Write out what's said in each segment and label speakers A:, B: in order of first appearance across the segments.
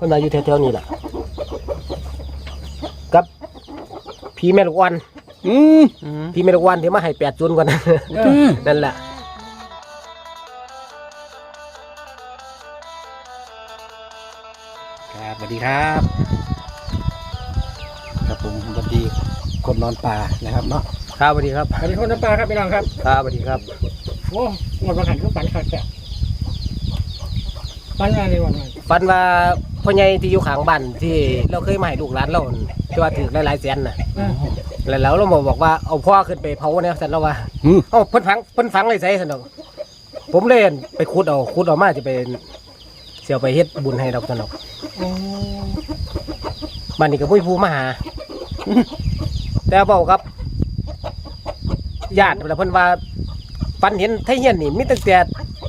A: พิ่นมาอยู่แถวๆนี้แหละกับพี่แม่ลูกอ่อนพี่แม่ลูกอ่อนที่มาให้80ก่อนนั่นแหละ
B: ครับสวัสดีครับครับผมสวัสดีคนนอนป่านะครับเนาะ
A: ครับสวัสดีครับ
C: สวัสดีคนน้ำปลาครับพี่น้องครับ
A: ครับสวัสดีครับ
C: โอ้หมดประหันคือฝันขาดแก่ฝันอะไรวันนั้น
A: ฝันว่าพ่อใหญ่ที่อยู่ข้างบ้านที่เราเคยมาให้ลูกหลานเราที่ว่าถือหลายๆแสนน่ะแล้วเราบอกว่าเอาพ่อขึ้นไปเผาเนี่ยสันเราว่าเอ้าเพิ่นฝังเลยใส่สันดอกผมเลยไปขุดเอามาจะไปเสียวไปเฮ็ดบุญให้ดอกสันดอกบ้านนี้ก็ผู้ผู้มาหาแต่บอกครับญาติเพิ่นว่าฝันเห็นไทเฮียนนี่มีตั้งแต่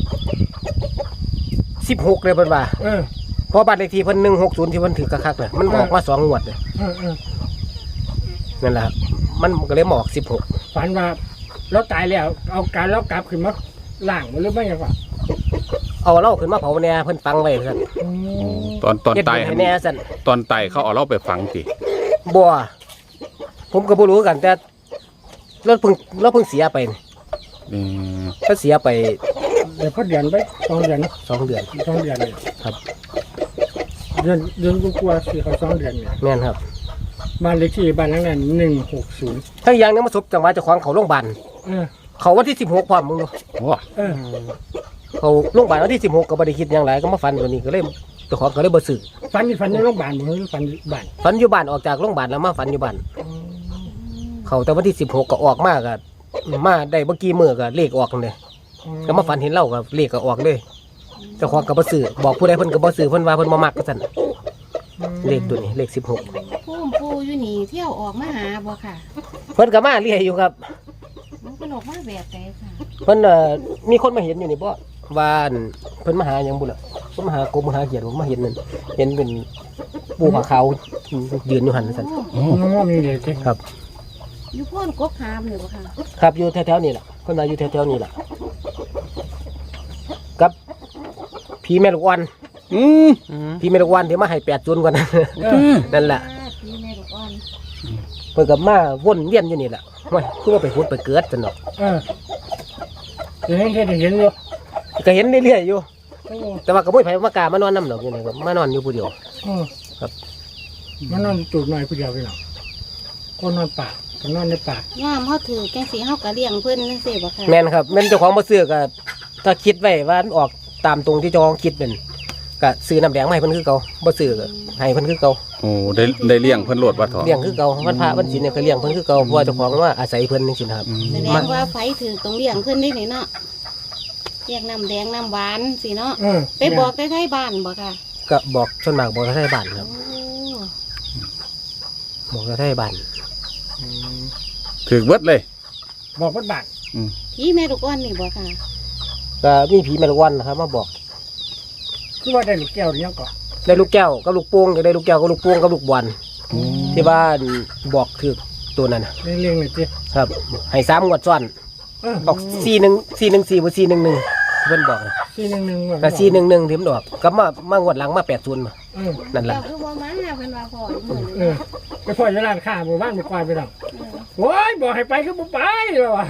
A: 16เลยเพิ่นว่าเพราะบ้านเลขที่เพิ่น160ที่เพิ่นถือคักๆน่ะมันออกมา2งวดเลยนั่นแหละครับมันก็เลยมาออก16
C: ฝันว่าเราตายแล้วเอาการเรากลับขึ้นมาล่างหรือไม่ยังวะ
A: เอาเราขึ้นมาเผาแน่เพิ่นฝังไว้ซั่น
D: ตอนตาย
A: แน่ซั่น
D: ตอนตายเขาเอาเราไปฝังติ
A: บ่ผมก็บ่รู้กันแต่เราเพิ่งเสียไปถ้าเสียไป
C: เดี๋ยวพอเดือนไป2 เดือน
A: 2 เดือน
C: 2 เดือน
A: ครับ
C: เดือนกลัวสิเขา2 เดือนเนี่ย
A: แม่นครับ
C: บ้านเลขที่บ้านหลังนั้น160
A: ทั้งอย่างนึงมาสบจังหวะเจ้าของเขาโรงพยาบาลเขาวันที่16พร้อมมึงดูเขาโรงพยาบาลวันที่16ก็บ่ได้คิดหยังหลายก็มาฝันตัวนี้ก็เลยเจ้าของก็เลยบ่ซื้อ
C: ฝันในโรงพยาบาลบ่หรือฝันบ้าน
A: ฝันอยู่บ้านออกจากโรงพยาบาลแล้วมาฝันอยู่บ้านเขาแต่วันที่16ก็ออกมาก็มาได้เมื่อกี้มื้อก็เลขออกเลยก็มาฝันเห็นเราก็เลขก็ออกเลยเจ้าของก็บ่ซื้อบอกผู้ใดเพิ่นก็บ่ซื้อเพิ่นว่าเพิ่นบ่มักก็ซั่นเลขตัวนี้เลข16
E: ผู้อยู่นี่เที่ยวออกมาหาบ่ค่ะ
A: เพิ่นก็มาเรียอยู่ครับ
E: มันก็ออกมาแบบไหนค่ะ
A: เพิ่นมีคนมาเห็นอยู่นี่บ่ว่าเพิ่นมาหาหยังบุล่ะเพิ่นมาหากบมาหาเขียดผมมาเห็นนั่นเห็นเป็นปูผาขาวยืนอยู่หั่นซั่น
C: มีเลย
A: ครับ
E: อยู่พ่นกบหามเลยบ่ค่ะ
A: ครับอยู่แถวๆนี่แหละเพิ่นมาอยู่แถวๆนี่แหละกับพี่แม่ลูกอ่อนพี่แม่ลูกอ่อนที่มาให้80ก่อนนั่นแหละ
E: พี่แม่ลูกอ่อน
A: เพิ่นก็มาวนเวียนอยู่นี่แหละว่าคือว่าไปพุดไปเกิดซั่นเนาะ
C: เห็นอยู่
A: ก็เห็นเรื่อยๆอยู่แต่ว่าก็บ่มีไผมากล้ามานอนนำดอกอยู่นี่ครับมานอนอยู่ผู้เดียวครับ
C: มานอนตูดหน่อยผู้เดียวพี่น้องคนนอนป่าก็นอนในป่า
E: ย่ามเฮาถือจังสิเฮาก็เลี้ยงเพิ่นจังซี่บ่ค่ะ
A: แม่นครับแม่นเจ้าของบ่ซื้อก็ถ้าคิดไว้ว่าออกตามตรงที่เจ้าของคิดเป็นก็ซื้อน้ำแดงมาให้เพิ่นคือเก่าบ่ซื้อก็ให้เพิ่นคือเก่า
D: โอ้ได้เลี้ยงเพิ่นโลดว่าถอ
A: เลี้ยงคือเก่าวันพระวันศีลเนี่ยก็เลี้ยงเพิ่นคือเก่าเพราะว่าเจ้าของว่าอาศัยเพิ่นจังซี่ครับ
E: แสดงว่าไฟถือตรงเลี้ยงเพิ่นได้นี่เนาะเรียกน้ำแดงน้ำหวานสิเนาะไปบอกได้ไทบ้านบ่ค่ะ
A: ก็บอกส่วนมากบอกได้บ้านครับบอกได้บ้าน
D: ถือเบิดเลย
C: บอกเบิดบ้าน
E: พี่แม่ลูกอ่อนนี่บ่ค่ะ
A: ก็มีผีแม่ลูกอ่อนนะครับมาบอก
C: คือว่าได้ลูกแก้วหรือยังก่อน
A: ได้ลูกแก้วกับลูกโป่งได้ลูกแก้วกับลูกโป่งกับลูกบอลที่บ้านบอกถือตัวนั้น
C: เลี้ยงเลยจี
A: ครับให้3 งวดซ้อนบอก414บ่411เพิ่นบอก
C: 411
A: ก็411ที่มันออกก็มางวดหลังมา80มานั่นแหละ
E: คือบ่มาเพิ่นว่าพ่อ
C: ไปพ่ออยู่ร้านค้าหมู่บ้านหมู่ควายไปดอกโอ้ยบอกให้ไปคือบ่ไปแล้วว่ะ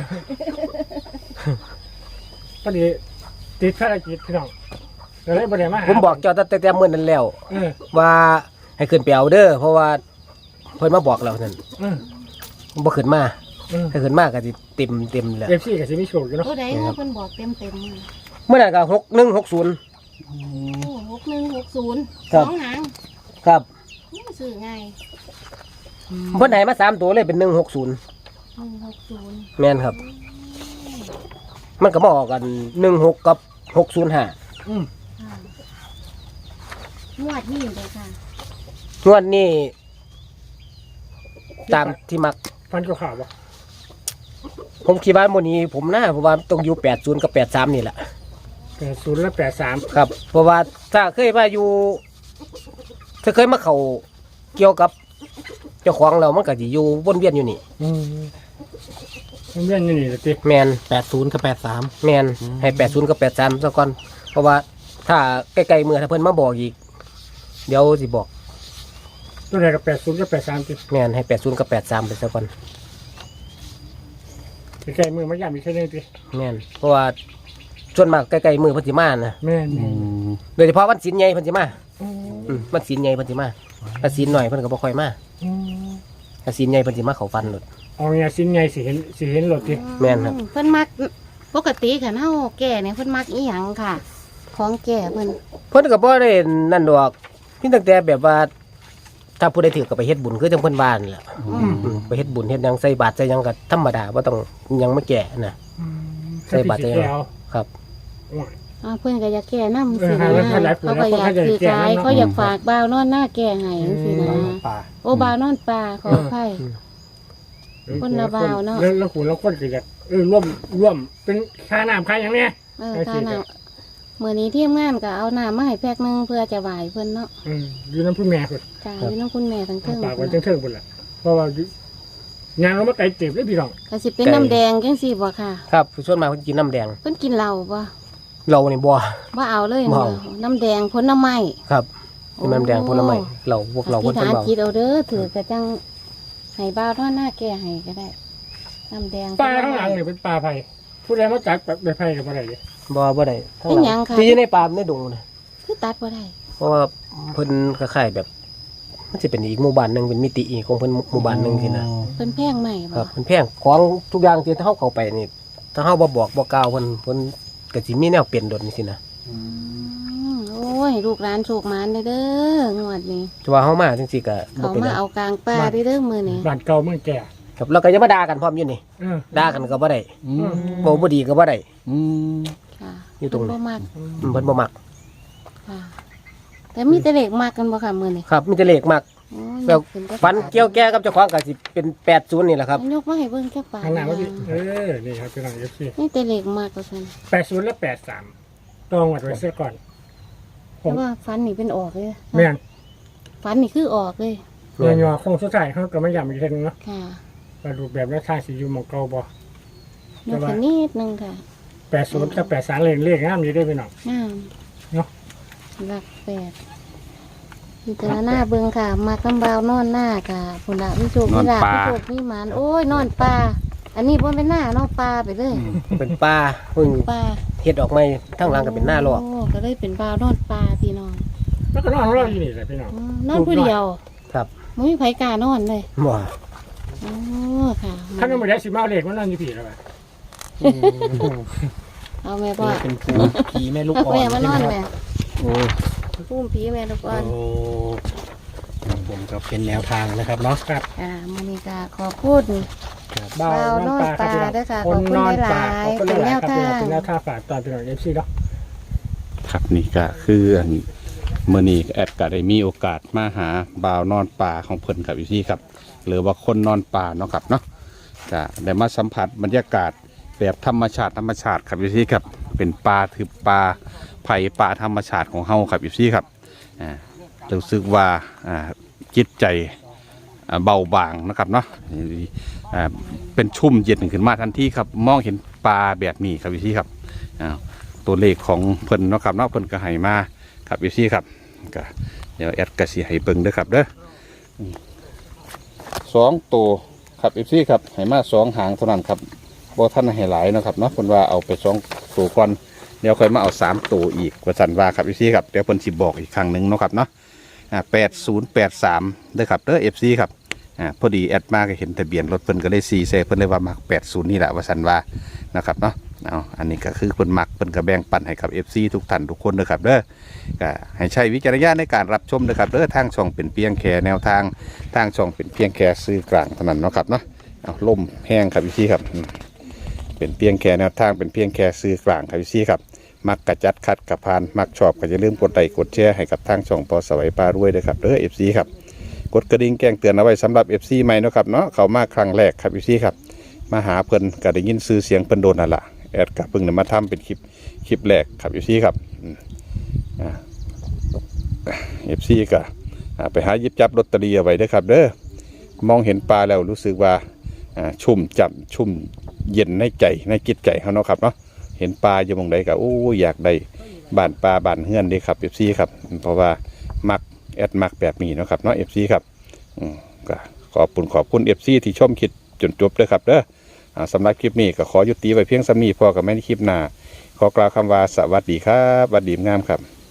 C: พอดีติดภารกิจพี่น้องก็เลยบ่ได้มา
A: ผมบอกเจ้าแต่มื้อนั้นแล้วว่าให้ขึ้นไปเอาเด้อเพราะว่าเพิ่นมาบอกแล้วนั่นบ่ขึ้นมาถ้าขึ้นมาก็สิเต็มแล้ว
C: FCก็สิมีโชคอยู่เนาะ
E: ผู้ใดเพิ่นบอกเต็ม
A: เมื่อนั้นก็6160
E: โอ้6160 2หาง
A: ครับ
E: นี่ซื้อง่าย
A: เพิ่นให้มา3ตัวเลยเป็น160แม่นครับมันก็มาออกกัน16กับ605
E: งวดนี้เลยค่ะ
A: งวดนี้ตามที่มัก
C: ฟันก็ข่าวบ่
A: ผมคิดว่ามื้อนี้ผมว่าต้องอยู่80กับ83นี่แหละ
C: 80และ83
A: ครับเพราะว่าถ้าเคยมาอยู่ถ้าเคยมาเข้าเกี่ยวกับเจ้าของเรามันก็สิอยู่วนเวียนอยู่นี่
C: วนเวียนอยู่นี่ล่ะติ
A: แม่น
B: 80กับ83
A: แม่นให้80กับ83ซะก่อนเพราะว่าถ้าใกล้ๆมื้อถ้าเพิ่นมาบอกอีกเดี๋ยวสิบอก
C: ตัวไหนกับ80กับ83ติ
A: แม่นให้80กับ83ไปซะก่อน
C: ใกล้มือมันย่ำอีกแค่นึงติ
A: แม่นเพราะว่าส่วนมากใกล้ๆมือเพิ่นสิมานะ
C: แม่น
A: โดยเฉพาะวันศีลใหญ่เพิ่นสิมาวันศีลใหญ่เพิ่นสิมาถ้าศีลหน่อยเพิ่นก็บ่ค่อยมาถ้าศีลใหญ่เพิ่นสิมาเข้าฟันโลด
C: เอาเนี่ยสิ้นไงสิเห็นรถติ
A: แม่นครับ
E: เพิ่นมักปกติคันเฮาแก่เนี่ยเพิ่นมักอีหยังค่ะ ของแก่เพิ่น
A: เพิ่นก็บ่ได้นั่นดอกพี่ตั้งแต่แบบว่าถ้าผู้ใดถือก็ไปเฮ็ดบุญคือจังเพิ่นว่านั่นแหละไปเฮ็ดบุญเฮ็ดหยังใส่บาตรใส่หยังก็ธรรมดาบ่ต้องหยังมาแก่นะ ใส่บาตร
C: ใส่
A: ใส่หยังครับ
E: เพิ่นก็อยากแก่นำสิ
C: เออ
E: นะ
C: หลายผู้
E: เขาก็อยากถือขายเขาอยากฝากบ่าวนอนหน้าแก่ให้จังซี่นะ
B: ป่า
E: โอ้บ่าวนอนป่าขออภัย คนละบ่าวเนาะ
C: แล้วคุณแล้วคนก็อยากร่วมเป็นค่าน้ำค่าอย่างเนี้ย
E: ค่ะน่ะมื้อนี้ทีมงานก็เอาน้ำมาให้แพ็คนึงเพื่อจะไหว้เพิ่นเนาะ
C: อยู่น้ำผู้แม่คน
E: จ้าอยู่น้ำคุณแม่ทั้งเทิง
C: ปากไว้เทิงๆคนละเพราะว่างานเรามาไกลเจ็บเลยพี่น้อง
E: ก็สิเป็นน้ำแดงจังซี่บ่ค่ะ
A: ครับส่วนมากเพิ่นกินน้ำแดง
E: เพิ่นกินเหล้าบ่
A: เรานี่บ่
E: บ่เอาเลย
A: บ่เอา
E: น้ำแดงผลไม้
A: ครับกินน้ำแดงผลไม้เราพวกเรา
E: อ
A: เพิ่
E: ธิ
A: น
E: ษ
A: เป็น
E: ฐาน
A: เบา
E: จิตเอาเด้อถือกระจังให้บ่าวนอนหน้าแก่ให้ก็ได้น้ำแดง
C: ปลาข้างหลังเนี่ยเป็นปลาไผ่ผู้ใดมาจักแบบไผ่กับอะไรเนี่ย
A: บ่ได้ทั้ง
E: เป็น
A: ห
E: หยั
A: ลั
E: ง
A: ง
E: ค่ะ
A: ที่อยู่ในป่าในดงนะ
E: คือตัดบ่ได้
A: เพราะว่าเพิ่นคล้ายๆแบบมันสิเป็นอีกหมู่บ้านหนึงเป็นมิติอีกของเพิ่นหมู่บ้านหนึงสินะ
E: เพิ่นแพงใหม่
A: ครั
E: บ่
A: บมันแพงของทุกอย่างที่เฮาเข้าไปนี่ถ้าเฮาบ่บอกบ่กล่าวเพิ่นก็สิมีแนวเปลี่ยนดนสินะ
E: โอ้ยลูกหลานโชคหมานเด้องวดนี้
A: แต่ว่าเฮามาจังซี่ก็บ่
E: เขา
A: เป็นห
E: มา
A: ยัง
E: เอากลางป่าเด้อมื้อนี้
C: บ้านเก่าเมืองแก่
A: ครับแล้วก็ยังมาด่ากันพร้อมอยู่นี่ด่ากันก็บ่ได้บ่บ่ดีก็บ่ได้
E: ค่ะ
A: อยู่ตรงนี้
E: เพิ่นบ่มัก
A: เพิ่นบ่มัก
E: ค่ะ แต่มีแต่เล็กมักกันบ่ค่ะมื้อนี้
A: ครับมีแต่เลขมัก
E: โอ้ย
A: แล้ว
E: ขึ้แต่
A: ฟันเกี่ยวแก่กับเจ้าของก็สิเป็น80นี่แหละครับ
E: ยกมาให้เบิ่งแค่ปาก
C: ข้างหน้าว่าพี่นี่ครับพี่น้องเอฟซี
E: นี่แต่เล็กมักว่าซั่น
C: 80และ83ต้องวัดไว้เสียก่อน
E: แต่ว่าฟันนี่เป็นออกเลย
C: แม่น
E: ฟันนี่คือออกเลย
C: เงยงอคงสุดท้ายเขาก็ไม่ย้ำอีกทีนึงเนาะ
E: ค่ะ
C: มาดูแบบแล้วท่าสีอยู่หมองเก่าบ่
E: ยกขึ้นนิดนึงค่ะ
C: 80กับ83เลขงามอยู่ได้พี่น้อง
E: งาม
C: เนาะ
E: หลักแปดพิจารณาเบิ่งค่ะ มากำบาวนอนหน้าค่ะพุ่นละวิโชควิลาภวิโชควิมานโอ้ยนอนปลาอันนี้บ่เป็นหน้านอนปลาไปเลย
A: เป็นป่าเพิ่ง
E: ปลา
A: เฮ็ดออกใหม่ทั้งหลังก็เป็นหน้าลอก
E: โอ้ก็เลยเป็นบ่าวนอนปลาพี่น้อง
C: แล้วก็นอนของเราอยู่นี่แหละพี่น้อง
E: นอนผู้เดียว
A: ครับ
E: ไม่มีไผกล้านอนเลย
A: บ่
E: โอ้ค่ะ
C: ถ้าไม่ได้สิมาเอาเลขมันนอนอยู่ผีแล้ว
E: เอาแม่พ่อ
B: เป็นผีแม่ลูก
E: เอา
B: อ่อน
E: แม่มานอน
B: ใช่ไห
E: แม่
B: ครับ
E: พุ่มผีแม่ทุกคน
B: โอ้ผมก็เป็นแนวทางนะครับเนาะ
C: ครับ
E: มื้อนี้ก็ขอพูด
C: บ่าวนอนปลาครับพี่น้องคนนอนปลาคนนอนหลายครับพี่น้องเป็นแนวท่าฝากตอนพี่น้องเอฟซีเนาะ
D: ครับนี่ก็คืออันมื้อนี้แอดก็ได้มีโอกาสมาหาบ่าวนอนป่าของเพิ่นครับอยู่ที่ครับ หรือว่าคนนอนป่าเนาะครับเนาะก็ได้มาสัมผัสบรรยากาศแบบธรรมชาติครับอยู่ที่ครับเป็นป่าถือป่าไผ่ป่าธรรมชาติของเฮาครับอยู่ที่ครับรู้สึกว่าจิตใจเบาบางนะครับเนาะเป็นชุ่มเย็นขึ้นมาทันทีครับมองเห็นปลาแบบนี้ครับอยู่ที่ครับตัวเลขของเพิ่นเนาะครับเนาะเพิ่นก็ให้มาครับอยู่ที่ครับก็เดี๋ยวแอดก็สิให้เบิ่งเด้อครับเด้อ2ตัวครับอยู่ที่ครับให้มา2หางเท่านั้นครับบ่ทันให้หลายเนาะครับเนาะเพิ่นว่าเอาไป2ตัวก่อนเดี๋ยวค่อยมาเอา3ตัวอีกว่าซั่นว่าครับอยู่ที่ครับเดี๋ยวเพิ่นสิบอกอีกครั้งนึงเนาะครับเนาะ8083เด้อครับเด้อ FC ครับพอดีแอดมาก็เห็นทะเบียนรถเพิ่นก็เลยซีเซเพิ่นเลยว่ามัก80นี่แหละว่าซั่นว่านะครับเนาะเอาอันนี้ก็คือเพิ่นมักเพิ่นก็แบ่งปันให้กับ FC ทุกท่านทุกคนเด้อครับเด้อก็ให้ใช้วิจารณญาณในการรับชมเด้อครับเด้อทางช่องเป็นเพียงแค่แนวทางทางช่องเป็นเพียงแค่สื่อกลางเท่านั้นเนาะครับเนาะเอาล่มแห้งครับ FC ครับเป็นเพียงแค่แนวทางเป็นเพียงแค่สื่อกลางครับ FC ครับมักกระจัดคัดกระพานมักชอบก็อย่าลืมกดไลค์กดแชร์ให้กับทางช่องพอสวัยปลารวยด้วยครับเด้อ FC ครับกดกระดิ่งแจ้งเตือนเอาไว้สำหรับ FC ใหม่เนาะครับเนาะเขามาครั้งแรกครับ FC ครับมาหาเพิ่นก็ได้ยินชื่อเสียงเพิ่นโดนนั่นล่ะแอดกับเพิ่งนำมาทำเป็นคลิปแรกครับ FC ครับFC ก็ไปหาหยิบจับลอตเตอรี่เอาไว้เด้อครับเด้อมองเห็นปลาแล้วรู้สึกว่าชุ่มจับชุ่มเย็นในใจในจิตใจเขาเนาะครับเนาะเห็นปลาอยู่หม้องใดก็โอ้อยากได้บ้านปลาบ้านเฮือนเด้ครับ FC ครับเพราะว่ามักแอดมักแบบนี้เนาะครับเนาะ FC ครับก็ขอบคุณ FC ที่ชมคลิปจนจบด้วยครับเด้อสำหรับคลิปนี้ก็ขอยุติไว้เพียงซ้ำนี้พอกับแม่ในคลิปหน้าขอกล่าวคำว่าสวัสดีครับสวัสดีงามครับ